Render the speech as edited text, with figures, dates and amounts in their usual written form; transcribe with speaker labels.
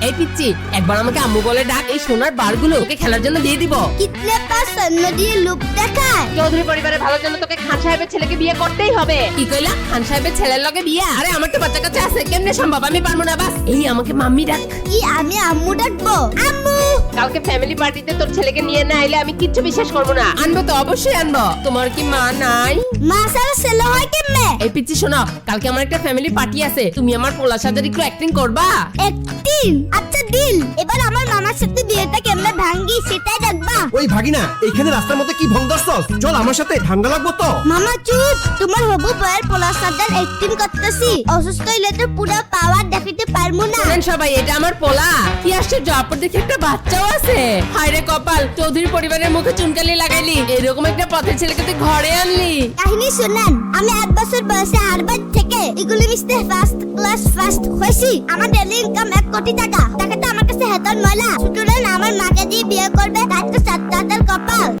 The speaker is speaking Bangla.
Speaker 1: এই পিচ্ছি, একবার আমাকে আম্মু বলে ডাক, এই সোনার বারগুলো ওকে খেলার জন্য দিয়ে দিব।
Speaker 2: কিতলে পাস সন্ন দিয়ে লুক দেখায়।
Speaker 3: চৌধুরী পরিবারের ভালোর জন্য তোকে খান সাহেবের ছেলেকে বিয়ে করতেই হবে।
Speaker 1: কি কইলা? খান সাহেবের ছেলের লগে বিয়া? আরে আমার তো বাচ্চা কাচ্চা আছে, কেমনে সম্ভব? আমি পারবো না। বাস এই আমাকে মাম্মি ডাক।
Speaker 2: কি আমি আম্মু ডাকবো? আম্মু
Speaker 3: কালকে ফ্যামিলি পার্টিতে তোর ছেলেকে নিয়ে না আইলে আমি কিচ্ছু বিশ্বাস করবো না।
Speaker 1: আনবো তো, অবশ্যই আনবো। তোমার কি মা নাই?
Speaker 2: মা সারা ছেলে হয় কেমনে?
Speaker 1: এই পিচ্ছি শোনো, কালকে আমার একটা ফ্যামিলি পার্টি আছে, তুমি আমার পোলা সাজার একটু অ্যাক্টিং করবা?
Speaker 2: একদিন আচ্ছা দিল। এবার আমার মামার সাথে বিয়েটা কেমনে ভাঙ্গি সেটাই দেখবা।
Speaker 4: ওই ভাগিনা, এইখানে রাস্তার মধ্যে কি ভং ধরছস? চল আমার সাথে, ঠান্ডা লাগবো তো।
Speaker 2: মামা চুপ, তোমার হবু বয়ের পোলার সাথে অ্যাক্টিং করতেছি। অসুস্থ হইলে তো পুরো পাওয়ার দেখাতে পারবো না।
Speaker 1: শুনেন সবাই, এটা আমার পোলা। কি আশ্চর্য, অপর দেখে একটা বাচ্চাও আছে। হায় রে কপাল, চৌধুরী পরিবারের মুখে চুনকালি লাগাইলি, এরকম একটা পথের ছেলেকে তুই ঘরে আনলি।
Speaker 2: কাহিনী শুনেন, আমি 8 বছর বয়সে হারবার্ড থেকে এগুলি মিশতে ফার্স্ট ক্লাস ফার্স্ট হয়েছি। আমার ডেইলি ইনকাম 1 কোটি টাকা। টাকাটা আমার কাছে হেতন ময়লা। সুতরাং আমার মাকে দিয়ে বিয়ে করবে, তার তো 7 কপাল।